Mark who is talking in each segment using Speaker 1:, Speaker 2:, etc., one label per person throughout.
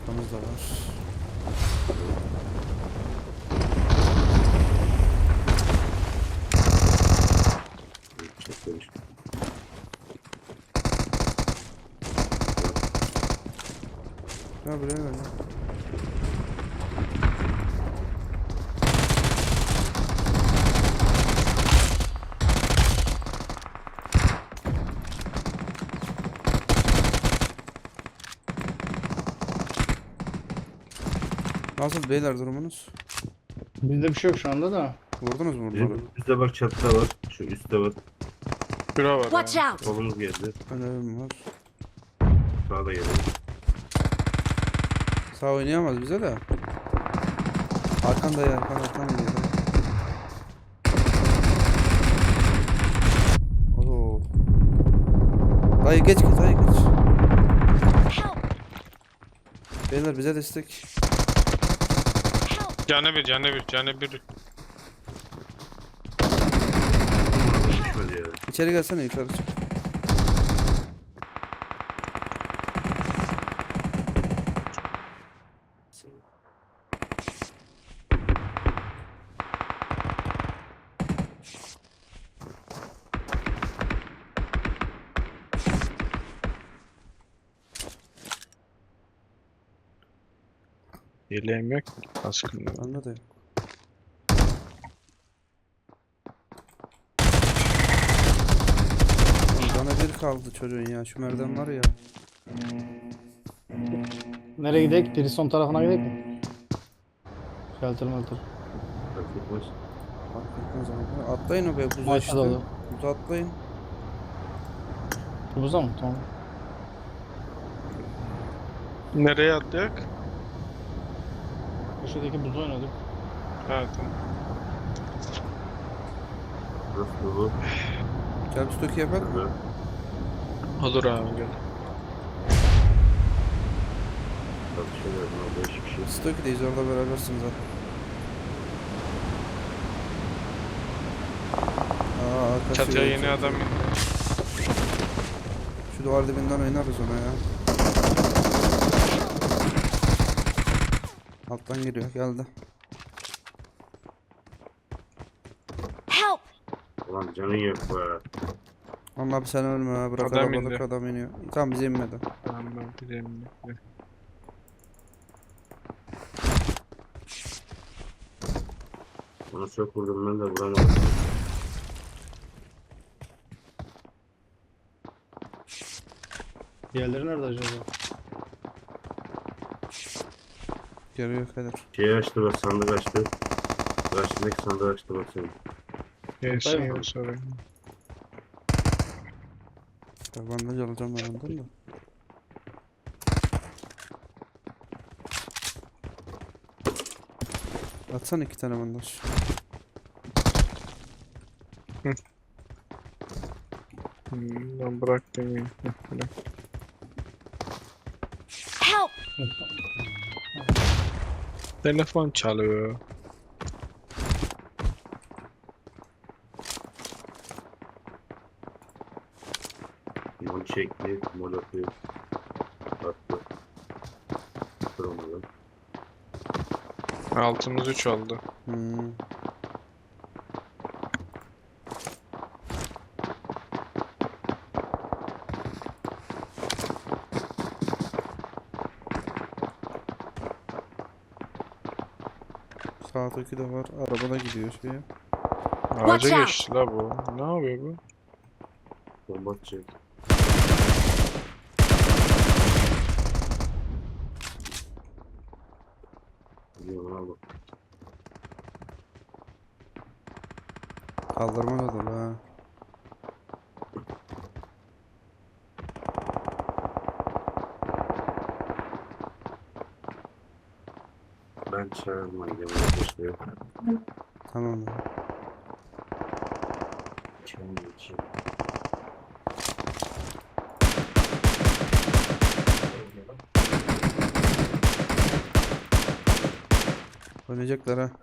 Speaker 1: Arkamızda var.
Speaker 2: Çekmemiş.
Speaker 1: Ya buraya gel ya. Nasıl beyler durumunuz?
Speaker 3: Bizde bir şey yok şu anda da.
Speaker 1: Vurdunuz mu bunları?
Speaker 2: Bizim bizde bak çatıda var. Şu üstte var.
Speaker 4: Şura var
Speaker 5: Watch
Speaker 4: ha.
Speaker 5: out!
Speaker 2: Kolumuz geldi.
Speaker 1: Önüm var.
Speaker 2: Sağda geldi.
Speaker 1: Sağ oynayamaz bize de. Arkanda ya arkan geliyor. Oo. Dayı geç dayı geç.
Speaker 5: Help!
Speaker 1: Beyler bize destek.
Speaker 5: Help!
Speaker 4: Canı bir, canı bir, canı bir.
Speaker 2: Düşmedi ya.
Speaker 1: İçeri gelsene yukarı çık.
Speaker 4: Yeleğim yok ki. Askım yok.
Speaker 1: Bende de yok. Bana bir kaldı çocuğun ya. Şu merdiven var ya.
Speaker 3: Nereye gidelim? Biri son tarafına gidelim mi? Shelter melter.
Speaker 2: Fark etmez.
Speaker 1: Fark etmez abi. Atlayın o be buza
Speaker 3: Maçta
Speaker 1: işte.
Speaker 3: dolu.
Speaker 1: Buza atlayın.
Speaker 3: Buza mı? Tamam.
Speaker 4: Nereye atlayak?
Speaker 3: Köşedeki buzu oynadık.
Speaker 4: Ha tamam.
Speaker 2: Nasıl bu?
Speaker 1: Gel bir stoki yapalım.
Speaker 2: Burada.
Speaker 4: Olur abi gel.
Speaker 2: Tartışıyorlar. Ne değişik bir şey.
Speaker 1: Stoki'deyiz orada berabersiniz zaten. Arkası
Speaker 4: Çatıya
Speaker 1: yok.
Speaker 4: yeni adam indi.
Speaker 1: Şu duvar dibinden oynarız ona ya. Alttan giriyor geldi.
Speaker 5: Help!
Speaker 2: Ulan canın yok be.
Speaker 1: Ama abi sen ölme ha. Bırak
Speaker 4: Adam
Speaker 1: arabalık
Speaker 4: indi.
Speaker 1: adam iniyor. Tamam bize inmedi.
Speaker 4: Tamam ben bileyim.
Speaker 2: Onu çok vurdum ben de vuramadım.
Speaker 3: Diğerleri nerede acaba?
Speaker 1: Geliyor kadar.
Speaker 2: Şeyi açtı bak, sandık açtı. Karşındaki sandığı açtı bak senin.
Speaker 4: Gelsin
Speaker 3: Hayır.
Speaker 4: ya sonra.
Speaker 1: Bandaj alacağım ben ondan da. Atsana 2 tane bandaj.
Speaker 4: Ben bıraktım ya. Bırak.
Speaker 5: Help!
Speaker 4: Telefon çalıyor.
Speaker 2: Mol çekti, mol atıyor. Attı. Kırılmadı.
Speaker 4: Altımız 3 oldu.
Speaker 1: Hmm. Sağdaki de var. Arabada gidiyor şeye.
Speaker 4: Ağaca
Speaker 5: out.
Speaker 4: geçti la bu. Ne yapıyor bu?
Speaker 2: Bomba atacak. Gidiyor lan bak.
Speaker 1: Kaldırma da dolu ha.
Speaker 2: Ben çağırma gidiyorum arkadaşlar.
Speaker 1: Tamam ya.
Speaker 2: Kendi için.
Speaker 1: Oynayacaklar ha.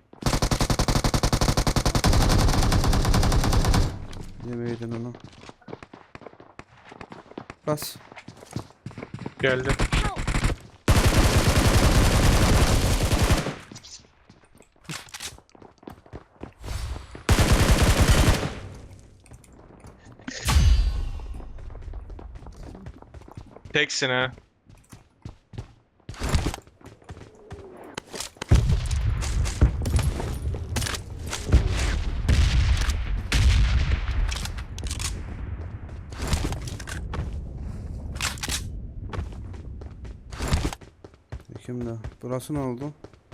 Speaker 1: Yemeydin onu. Bas.
Speaker 4: Geldi.
Speaker 5: Help!
Speaker 4: Teksin ha.
Speaker 1: Kimde? Burası ne oldu?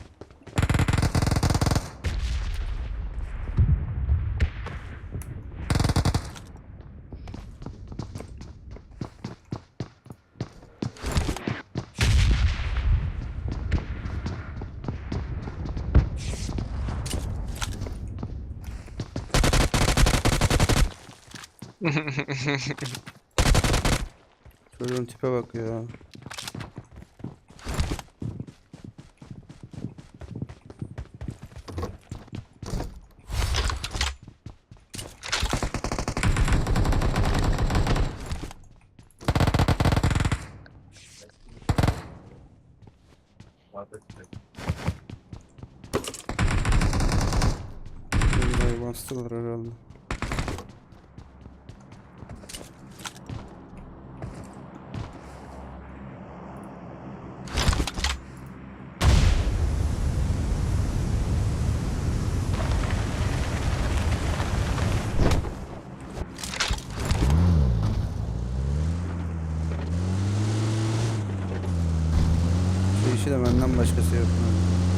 Speaker 1: Çocuğun tipe bak ya. Burayı bastılar herhalde. Şu işi de benden başkası yapmıyor.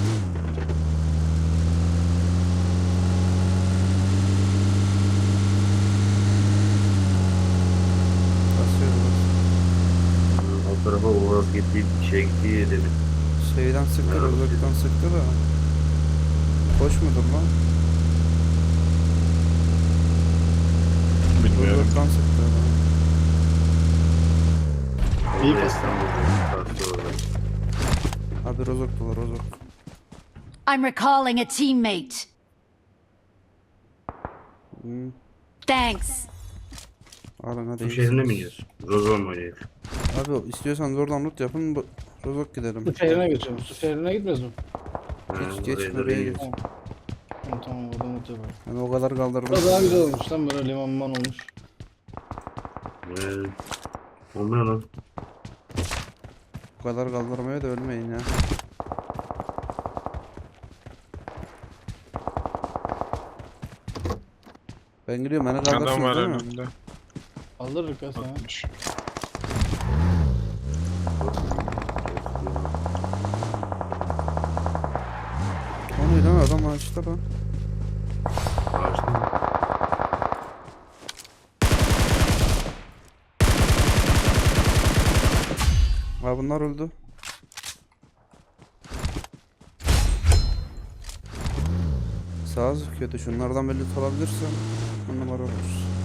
Speaker 1: Basıyorum.
Speaker 2: O tarafa Uğraz gittiği gitti demin.
Speaker 1: Şeyden sıktı, rozoktan sıktı da. Hoş mudur lan?
Speaker 4: Bilmiyorum.
Speaker 1: Rozoktan sıktı lan.
Speaker 3: İyi
Speaker 2: Orada
Speaker 3: kastı.
Speaker 2: kastı orada.
Speaker 1: Abi rozok dolu rozok.
Speaker 5: I'm recalling a teammate.
Speaker 1: Hmm.
Speaker 5: Thanks.
Speaker 1: Alın hadi.
Speaker 2: Su şehrine mi gidiyoruz? Rozon mu oynayalım?
Speaker 1: Abi istiyorsanız oradan loot yapın. Rozok gidelim.
Speaker 3: Su şehrine geçiyorum. Su şehrine gitmez mi?
Speaker 1: Geç
Speaker 2: oraya da
Speaker 1: oraya
Speaker 2: bir-
Speaker 1: geç.
Speaker 3: Tamam tamam oradan mutlu yapalım.
Speaker 1: Yani o kadar kaldırdım.
Speaker 3: Burada daha güzel olmuş lan böyle liman olmuş.
Speaker 2: O ne lan?
Speaker 1: O kadar kaldırmaya da ölmeyin ya. Ben gidiyorum beni
Speaker 4: Adam var
Speaker 1: kaldırsınız değil mi?
Speaker 4: önümde.
Speaker 3: Kaldırırız ya sana.
Speaker 4: Atmış.
Speaker 1: O ne lan adam açtı lan.
Speaker 2: Ağaçta mı?
Speaker 1: Ha bunlar öldü. Sağ kötü. Şunlardan belli olabilirse on numara olur.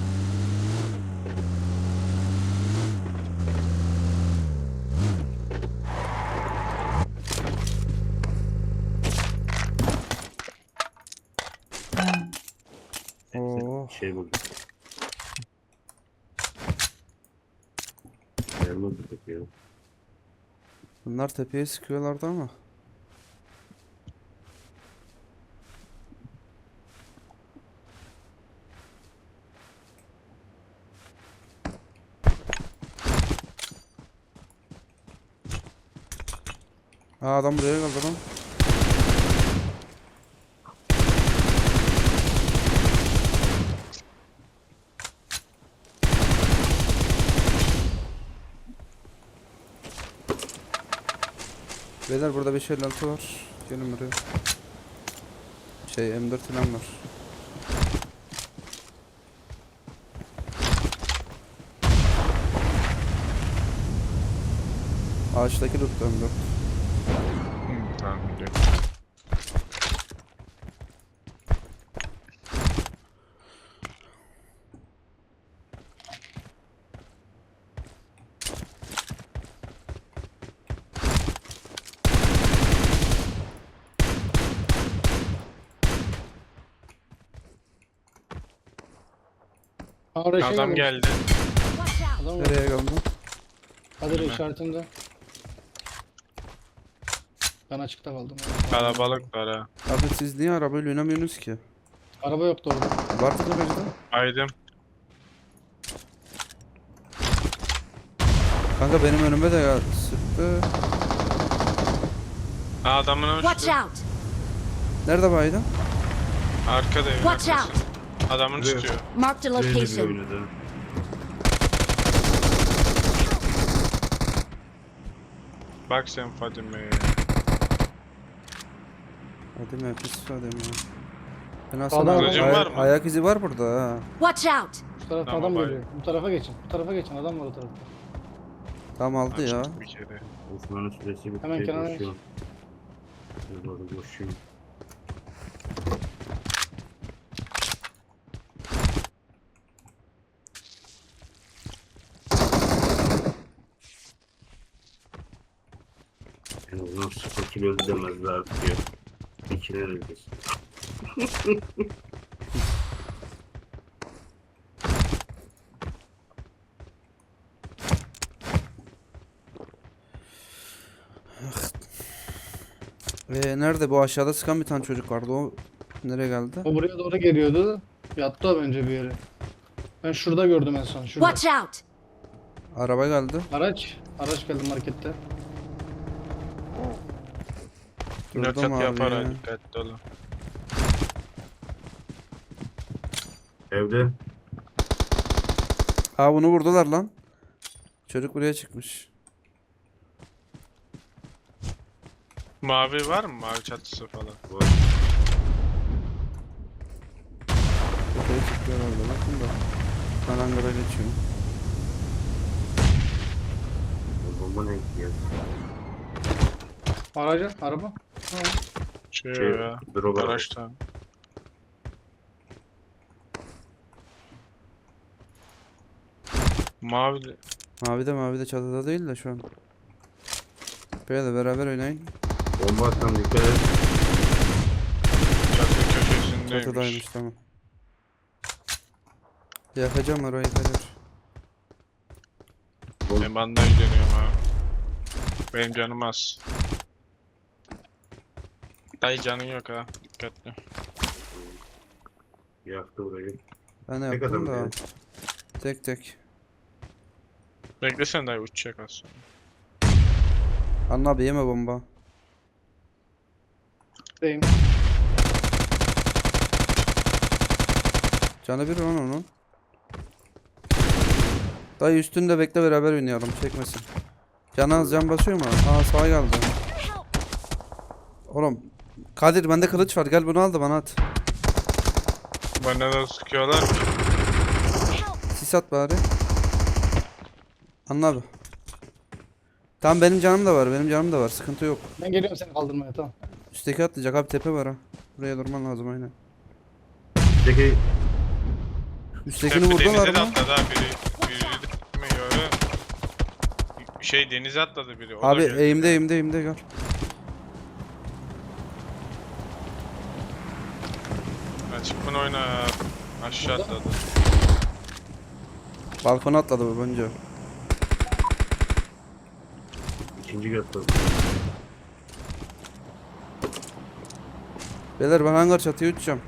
Speaker 1: Oo.
Speaker 2: Şey buldum. Elma peki ya.
Speaker 1: Bunlar tepeye sıkıyorlardı ama. Aa adam buraya geldi lan. Beyler burada 556 var. Gelin buraya. Şey M4 falan var. Ağaçtaki loot M4.
Speaker 4: Tamam biliyorum.
Speaker 3: Oraya şey
Speaker 4: Adam
Speaker 3: gelmiş.
Speaker 4: geldi.
Speaker 5: Watch out.
Speaker 3: Adam var.
Speaker 1: Nereye geldi?
Speaker 3: Kadir işaretinde. Ben açıkta kaldım.
Speaker 4: Kalabalık var ha.
Speaker 1: Abi siz niye arabayla oynamıyorsunuz ki?
Speaker 3: Araba yoktu orada.
Speaker 1: Vardı garajda.
Speaker 4: Aydım.
Speaker 1: Kanka benim önüme de ya sıktı.
Speaker 4: Ha, adamın
Speaker 5: Watch
Speaker 4: uçtu.
Speaker 5: out!
Speaker 1: Nerede baydın?
Speaker 4: Arkada evin
Speaker 5: Watch
Speaker 4: arkası.
Speaker 5: out!
Speaker 4: Adamın
Speaker 2: Buraya.
Speaker 4: tutuyor.
Speaker 5: Marked a
Speaker 2: Böyle bir
Speaker 5: location.
Speaker 2: oynadı.
Speaker 4: Bak sen Fadime'ye.
Speaker 1: Hadi mi pis hadi mi? Ben
Speaker 3: Sağdan
Speaker 1: aslında
Speaker 4: kılıcın var mı?
Speaker 1: ayak izi var burada ha.
Speaker 5: Watch out!
Speaker 3: Şu tarafta
Speaker 4: Tamam,
Speaker 3: adam
Speaker 4: bay.
Speaker 3: geliyor. Bu tarafa geçin. Bu tarafa geçin. Adam var o tarafta.
Speaker 1: Tam aldı ya.
Speaker 4: Açtık bir kere.
Speaker 2: Osman'ın süresi bitti.
Speaker 3: Hemen kenara
Speaker 2: Koşuyor. Doğru koşuyor. En azından 0 kilo öldü demezler artık ya. 2'ler öldüz.
Speaker 1: Nerede bu aşağıda sıkan bir tane çocuk vardı o nereye geldi?
Speaker 3: O buraya doğru geliyordu. Yattı o bence bir yere. Ben şurada gördüm en son. Şurada.
Speaker 5: Watch out!
Speaker 1: Araba geldi.
Speaker 3: Araç geldi markette.
Speaker 4: Yine
Speaker 1: Durdum
Speaker 4: çat
Speaker 1: abi
Speaker 4: yapar
Speaker 1: ya.
Speaker 4: ha, dikkatli olun.
Speaker 2: Evde.
Speaker 1: Aa bunu vurdular lan. Çocuk buraya çıkmış.
Speaker 4: Mavi var mı? Mavi çatısı falan.
Speaker 2: Var.
Speaker 1: Buraya çıkıyor herhalde bakın da. Ben hangara geçiyorum.
Speaker 2: Bomba ne gidiyor?
Speaker 3: Araba. Ha.
Speaker 4: Şey
Speaker 2: Şey,
Speaker 4: ya.
Speaker 2: drop var.
Speaker 4: Araçta. Mavi de.
Speaker 1: Mavi de çatıda değil de şu an. Böyle de beraber oynayın.
Speaker 2: Bomba atan dikkat et.
Speaker 4: Çatı köşesindeymiş.
Speaker 1: Çatıdaymış tamam. Yakacağım orayı Kadir.
Speaker 4: Ben bandaj dönüyorum ha. Benim canım az. Dayı canın yok ha. Dikkatli.
Speaker 2: Yaktı orayı.
Speaker 1: Ben
Speaker 2: Tek
Speaker 1: yaptım
Speaker 2: adam
Speaker 1: da.
Speaker 2: yani.
Speaker 1: Tek.
Speaker 4: Beklesen dayı uçacak az sonra.
Speaker 1: Anla abi yeme bomba.
Speaker 3: Deyim.
Speaker 1: Canı bir lan onun. Dayı üstünde bekle beraber oynayalım çekmesin. Can az can basıyor mu? Aa sağa geldi. Oğlum. Kadir bende kılıç var gel bunu al da bana at.
Speaker 4: Bana da sıkıyorlar.
Speaker 1: Sis at bari. Anla abi. Tamam benim canım da var sıkıntı yok.
Speaker 3: Ben geliyorum seni kaldırmaya tamam.
Speaker 1: Üstteki atlayacak abi tepe var ha. Buraya durman lazım aynen.
Speaker 2: Peki
Speaker 1: Üsttekini
Speaker 4: Tepe
Speaker 1: vurdular
Speaker 4: denize de
Speaker 1: mı?
Speaker 4: atladı ha biri. Biri de mi göre? Şey denize atladı biri. O da
Speaker 1: Abi
Speaker 4: geldi.
Speaker 1: eğimde gel.
Speaker 4: Açık bunu oyna. Aşağı atladı.
Speaker 1: Balkona atladı bu bence.
Speaker 2: ikinci götürdüm.
Speaker 1: Beyler ben hangar çatıya uçacağım.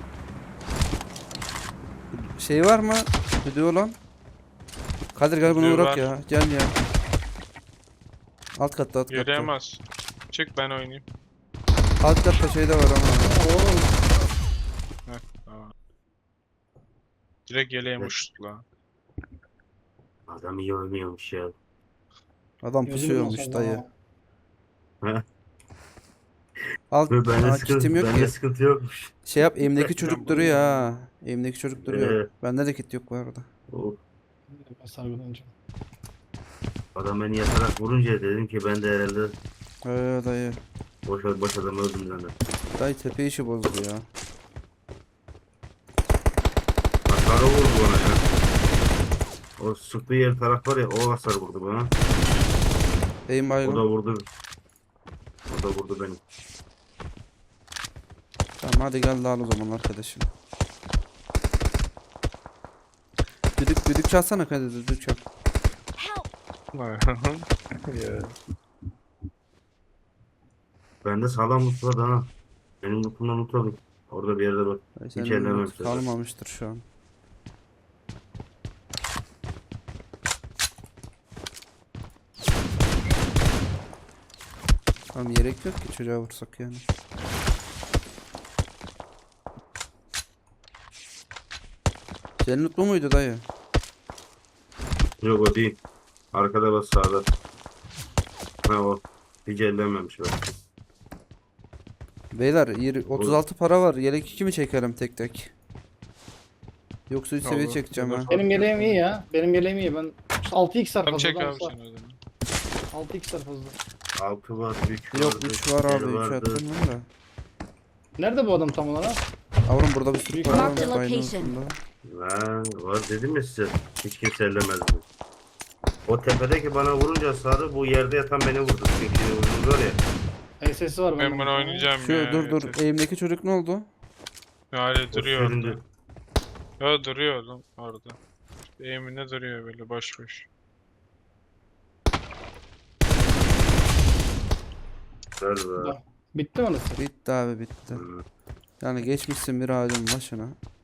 Speaker 1: Şey var mı? Video lan. Kadir gel bunu
Speaker 4: Video
Speaker 1: bırak
Speaker 4: var.
Speaker 1: ya. Gel ya. Alt katta.
Speaker 4: Yürüyemez. Çık ben oynayayım.
Speaker 1: Alt katta şey de var ama.
Speaker 3: Oğlum.
Speaker 4: Tamam. Direkt yeleğim uçtu lan.
Speaker 2: Adam iyi oynuyormuş ya.
Speaker 1: Adam
Speaker 3: Gözüm
Speaker 1: pusuyormuş
Speaker 3: nasıl
Speaker 1: dayı.
Speaker 2: Heh.
Speaker 1: Alt
Speaker 2: Ve bende
Speaker 1: kitim yok ki.
Speaker 2: sıkıntı yokmuş.
Speaker 1: Şey yap elimdeki
Speaker 4: Ben
Speaker 1: çocuk
Speaker 4: bunu
Speaker 1: duruyor ha. Elimdeki çocuk duruyor.
Speaker 2: Evet.
Speaker 1: Bende de kit yok bu arada.
Speaker 2: Oh,
Speaker 3: Ben sargılanacağım.
Speaker 2: adam beni yatarak vurunca dedim ki ben de herhalde
Speaker 1: Dayı.
Speaker 2: boş adam öldüm zaten.
Speaker 1: Dayı tepe işi bozdu ya.
Speaker 2: Hasarı vurdu bana ya. O sıktığı yer taraf var ya o hasar vurdu bana.
Speaker 1: Eğim
Speaker 2: O
Speaker 1: baygın.
Speaker 2: da vurdu. O da vurdu beni.
Speaker 1: Tamam hadi gel dağıl o zaman arkadaşım. Düdük çalsana Kadir düdük çal.
Speaker 4: Ya.
Speaker 2: Bende sağlam loot var ha. Benim lootumdan loot aldım. Orada bir yerde bak.
Speaker 1: Dayı
Speaker 2: Hiç
Speaker 1: senin
Speaker 2: ellemem
Speaker 1: loot
Speaker 2: size.
Speaker 1: kalmamıştır şu an. Tamam gerek yok ki çocuğa vursak yani. Cennet bu muydu dayı?
Speaker 2: Yok o değil. Arkada bas sağda. Ha o. Hiç ellenmemiş bak.
Speaker 1: Beyler 36 para var. Yelek 2 mi çekelim tek tek? Yoksa 3 seviye
Speaker 4: Olur.
Speaker 1: çekeceğim ha.
Speaker 3: Benim yeleğim iyi ya. Benim yeleğim iyi. Ben 6x var
Speaker 4: Tamam
Speaker 3: fazla.
Speaker 4: çek
Speaker 3: lan,
Speaker 4: abi sen o zaman.
Speaker 3: 6x var fazla.
Speaker 2: 6 var, 3 var.
Speaker 1: Yok 3 var abi 3
Speaker 2: vardı.
Speaker 1: attım ben de.
Speaker 3: Nerede bu adam tam olarak?
Speaker 1: Avrum burada bir sürü para
Speaker 5: Mark the
Speaker 1: var bayının
Speaker 5: location.
Speaker 1: üstünde.
Speaker 2: Ha, var dedim ya size. Hiç kimse ellemezdi. O tepedeki bana vurunca sarı bu yerde yatan beni vurdu. Çünkü vurdu var ya.
Speaker 3: SS'i var.
Speaker 4: Ben bunu oynayacağım
Speaker 1: Şu
Speaker 4: ya.
Speaker 1: dur
Speaker 4: yeter.
Speaker 1: eğimdeki çocuk ne oldu?
Speaker 4: Hala duruyor orada.
Speaker 2: süründü.
Speaker 4: Ya duruyor oğlum orada. Eğiminde duruyor böyle boş boş.
Speaker 2: Ver be.
Speaker 3: Bitti mi orası?
Speaker 1: Bitti abi bitti.
Speaker 2: Hı.
Speaker 1: Yani geçmişsin bir ağacın başına.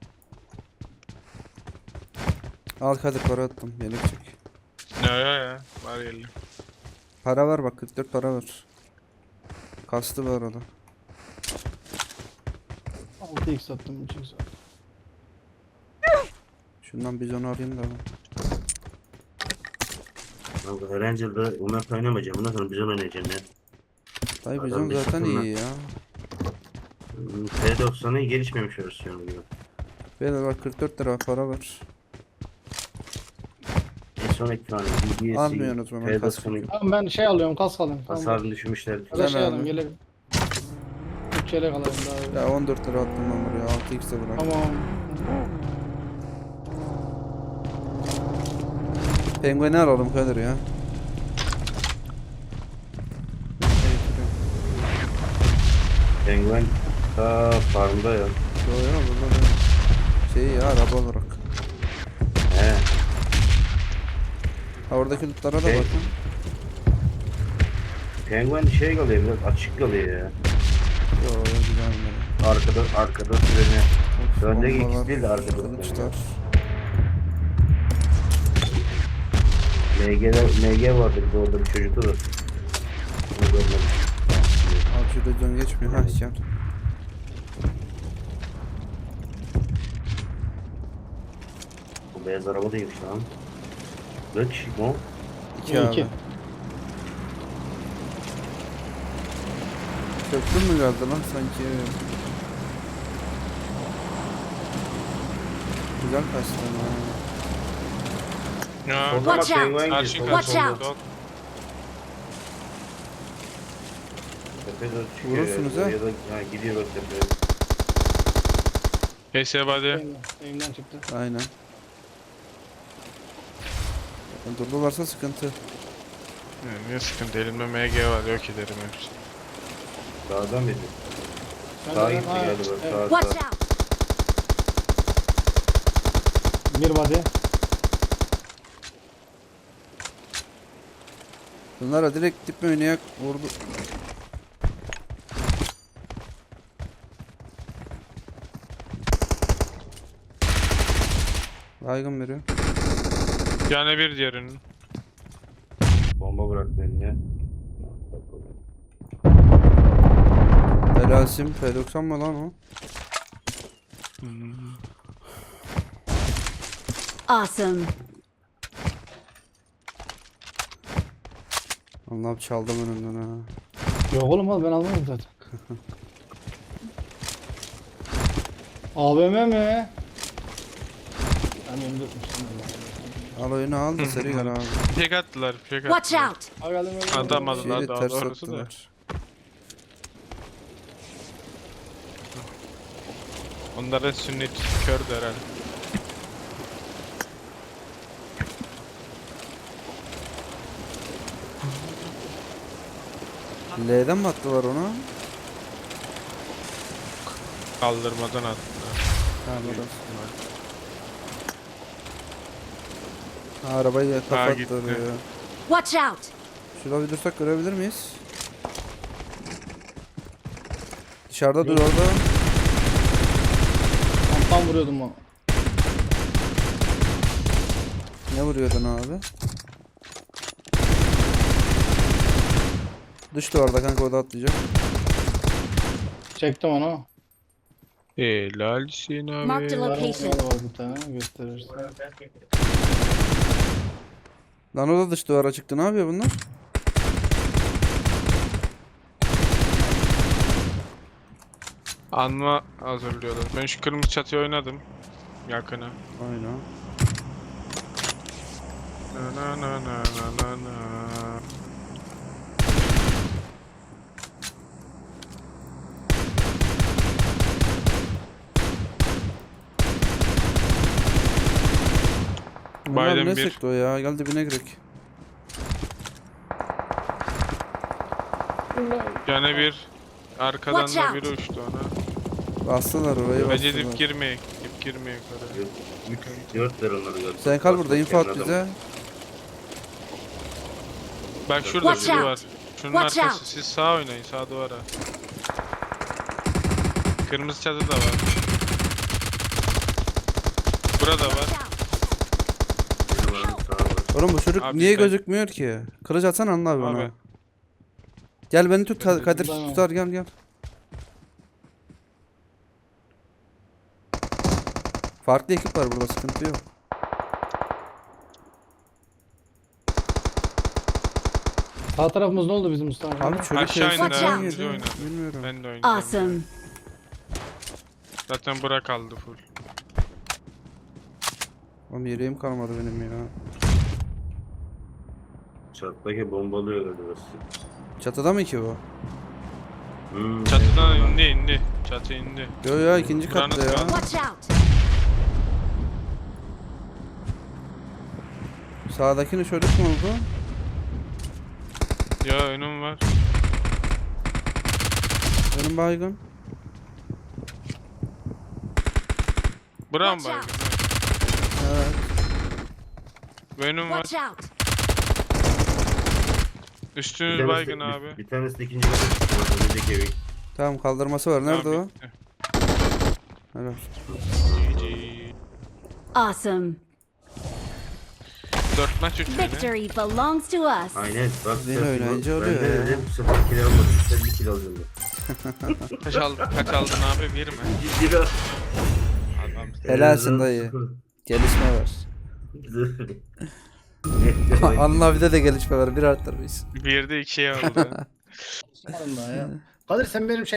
Speaker 1: Al Kadir para attım yelek çek.
Speaker 4: Ne ya var yerli.
Speaker 1: Para var bak 44 para var. Kastı var orada.
Speaker 3: 6x attım 3x attım.
Speaker 1: Şundan biz onu arayayım da.
Speaker 2: Kanka Erangel'da Umut oynamayacağım. Bundan sonra biz oynayacağım ya.
Speaker 1: Dayı
Speaker 2: Adam
Speaker 1: bizim
Speaker 2: bir
Speaker 1: zaten
Speaker 2: sıkıntı.
Speaker 1: iyi ya.
Speaker 2: T90'ı gelişmemiş versiyonu gibi.
Speaker 1: Beyler bak 44 lira para var.
Speaker 2: En son iki tane BBS'i
Speaker 1: Almıyorsunuz mu? Ben kaskı
Speaker 2: T90'ı
Speaker 3: Tamam ben şey alıyorum kask alayım. Tamam.
Speaker 2: hasarını düşmüşler.
Speaker 3: Ya da
Speaker 1: Güzel
Speaker 3: şey
Speaker 1: abi.
Speaker 3: alayım yelek. 3 yelek alayım daha iyi.
Speaker 1: Ya 14 lira attım ben buraya 6x de bırak.
Speaker 3: Tamam.
Speaker 1: Pengueni alalım Kadir ya.
Speaker 2: Penguen ta farmda ya.
Speaker 1: Yo yo burada da şey ya araba olarak.
Speaker 2: He.
Speaker 1: Ha oradaki lootlara da
Speaker 2: Şey-
Speaker 1: bakın.
Speaker 2: Penguen şey kalıyor biraz açık kalıyor ya.
Speaker 1: Yo yo güzel mi?
Speaker 2: Arkada treni. Öndeki
Speaker 1: Bombalar,
Speaker 2: ikisi değil de arkada.
Speaker 1: kılıçlar.
Speaker 2: MG vardı bir de orada bir çocuktu da. Onu görmedim.
Speaker 1: Abi şurada can geçmiyor. Ha gel.
Speaker 2: Bu beyaz araba değilmiş lan. Kaç kişi mi o?
Speaker 1: 2
Speaker 3: İki.
Speaker 1: abi. Köprü mü geldi lan sanki? Güzel kaçtı ha.
Speaker 4: Ya.
Speaker 2: O zaman
Speaker 5: Watch out.
Speaker 2: penguen
Speaker 4: Karşı
Speaker 2: gidiyor.
Speaker 5: Watch
Speaker 4: karşı
Speaker 5: out.
Speaker 4: oldu.
Speaker 2: Tepeye doğru çıkıyor.
Speaker 1: Vurursunuz
Speaker 2: ya.
Speaker 1: ha.
Speaker 2: Ya da ha, gidiyor bak tepeye.
Speaker 4: PS body.
Speaker 3: Elimden çıktı.
Speaker 1: Aynen. Durdularsa sıkıntı.
Speaker 4: Ne sıkıntı elimde MG var yok ederim hepsi.
Speaker 2: Sağdan mıydı?
Speaker 3: Ben
Speaker 2: Sağa
Speaker 3: de-
Speaker 2: gitti
Speaker 3: ha,
Speaker 2: galiba.
Speaker 3: evet.
Speaker 2: Sağ
Speaker 5: Watch
Speaker 2: sağ.
Speaker 5: out!
Speaker 3: Bir body.
Speaker 1: Bunlara direkt dip oynayak vurdu. Baygın veriyor.
Speaker 4: Yani bir diğerinin.
Speaker 2: Bomba bıraktı eline.
Speaker 1: Helasim P90 mı lan o?
Speaker 5: Awesome.
Speaker 1: Allah'ım çaldım önümden ha.
Speaker 3: Yok oğlum al ben almadım zaten. AVM mi? Ben M4'müşüm.
Speaker 1: Al oyunu al da seri gel abi.
Speaker 4: Fake attılar. Fake
Speaker 5: Watch
Speaker 4: attılar.
Speaker 5: out!
Speaker 3: Al geldim öyle.
Speaker 4: Adam
Speaker 1: Şeyi
Speaker 4: aldılar daha
Speaker 1: ters
Speaker 4: doğrusu da.
Speaker 1: attılar.
Speaker 4: Onların sünnet kördü herhalde.
Speaker 1: L'den mi attılar onu?
Speaker 4: Kaldırmadan attılar.
Speaker 1: Ha burası. Ha, arabayı
Speaker 4: gitti.
Speaker 1: kapattı ya.
Speaker 5: Watch out!
Speaker 1: Şurada bir dursak görebilir miyiz? Dışarıda dur orada.
Speaker 3: Tam vuruyordum o.
Speaker 1: Ne vuruyordun abi? Düştü orada kanka, o da atlayacak.
Speaker 3: Çektim onu.
Speaker 4: Helalsin
Speaker 5: Marked a
Speaker 4: abi.
Speaker 5: location.
Speaker 3: Var bir tane gösterirsin.
Speaker 1: Lan o da dış duvara çıktı. Ne yapıyor bunlar?
Speaker 4: Anma hazırlıyorlar. Ben şu kırmızı çatıya oynadım. Yakına.
Speaker 1: Aynen.
Speaker 4: Na na na na na na na.
Speaker 1: Bunlar
Speaker 4: Biden
Speaker 1: ne
Speaker 4: bir.
Speaker 1: sıktı o ya? Gel dibine girek.
Speaker 4: Yani bir. Arkadan
Speaker 5: Watch
Speaker 4: da
Speaker 5: out.
Speaker 4: biri uçtu ona.
Speaker 1: Bastılar orayı,
Speaker 4: Bence
Speaker 1: bastılar.
Speaker 4: dip girmeye. Dip girmeye yukarı.
Speaker 2: 3-4 ver onları gördüm.
Speaker 1: Sen kal burada, info at
Speaker 2: Adam.
Speaker 1: bize.
Speaker 4: Bak şurada
Speaker 5: Watch
Speaker 4: biri
Speaker 5: out.
Speaker 4: var. Şunun
Speaker 5: Watch
Speaker 4: arkası.
Speaker 5: out.
Speaker 4: Siz sağ oynayın. Sağ duvara. Kırmızı çatı da var. Burada var.
Speaker 5: Watch out.
Speaker 2: Benim adım sağa var.
Speaker 1: Oğlum bu çocuk
Speaker 4: Abi
Speaker 1: niye
Speaker 4: sen-
Speaker 1: gözükmüyor ki? Kılıç atsana anla abi ona.
Speaker 4: Abi.
Speaker 1: Gel beni tut,
Speaker 4: Ben de
Speaker 1: Kadir
Speaker 3: buradayım.
Speaker 1: tutar, gel gel. Farklı ekip var burada, sıkıntı yok.
Speaker 3: Sağ tarafımız ne oldu bizim Mustafa?
Speaker 1: Abi çocuk
Speaker 4: Aşağı
Speaker 1: hepsi
Speaker 4: indi
Speaker 1: sen
Speaker 5: abi,
Speaker 4: biz
Speaker 1: yedi.
Speaker 4: oynadık.
Speaker 1: Bilmiyorum.
Speaker 4: Ben de oynayacağım.
Speaker 5: Awesome.
Speaker 4: Zaten bura kaldı full.
Speaker 1: Oğlum yereğim kalmadı benim ya.
Speaker 2: Çattaki bombalıyor galiba.
Speaker 1: Çatıda mı ki bu?
Speaker 4: Çatıdan indi. Çatı indi.
Speaker 1: Yo ya, ikinci
Speaker 4: Buranın
Speaker 1: katta ya.
Speaker 4: kralı.
Speaker 5: Watch out.
Speaker 1: Sağdakini çocuk mu oldu?
Speaker 4: Ya önüm var.
Speaker 1: Benim baygın.
Speaker 4: Bura mı
Speaker 5: Watch
Speaker 4: baygın?
Speaker 1: Evet.
Speaker 4: Önüm var.
Speaker 5: Watch out.
Speaker 4: Üstünüz baygın abi.
Speaker 2: Bir tanesi de ikinci kata çıktı. Önündeki evi.
Speaker 1: Tamam, kaldırması var. Nerede
Speaker 4: Tamam,
Speaker 1: o?
Speaker 4: bitti.
Speaker 1: Helal.
Speaker 4: GG.
Speaker 5: Awesome.
Speaker 4: 4 maç 3 yine.
Speaker 5: Victory belongs to us.
Speaker 2: Aynen. Bak
Speaker 1: Yeni öğrenci oluyor
Speaker 2: Ben de
Speaker 1: ya.
Speaker 2: dedim 0 kilo almadım. Sen 1 kilo alacaksın.
Speaker 4: Kaç aldın abi? 1 mi?
Speaker 2: 1 kilo.
Speaker 4: Adam.
Speaker 1: Helalsin dayı. Gelişme var.
Speaker 2: Güzel.
Speaker 1: Anla bir de gelişme var. Bir arttır biz.
Speaker 4: 1'de 2'ye aldı.
Speaker 3: Kadir sen benim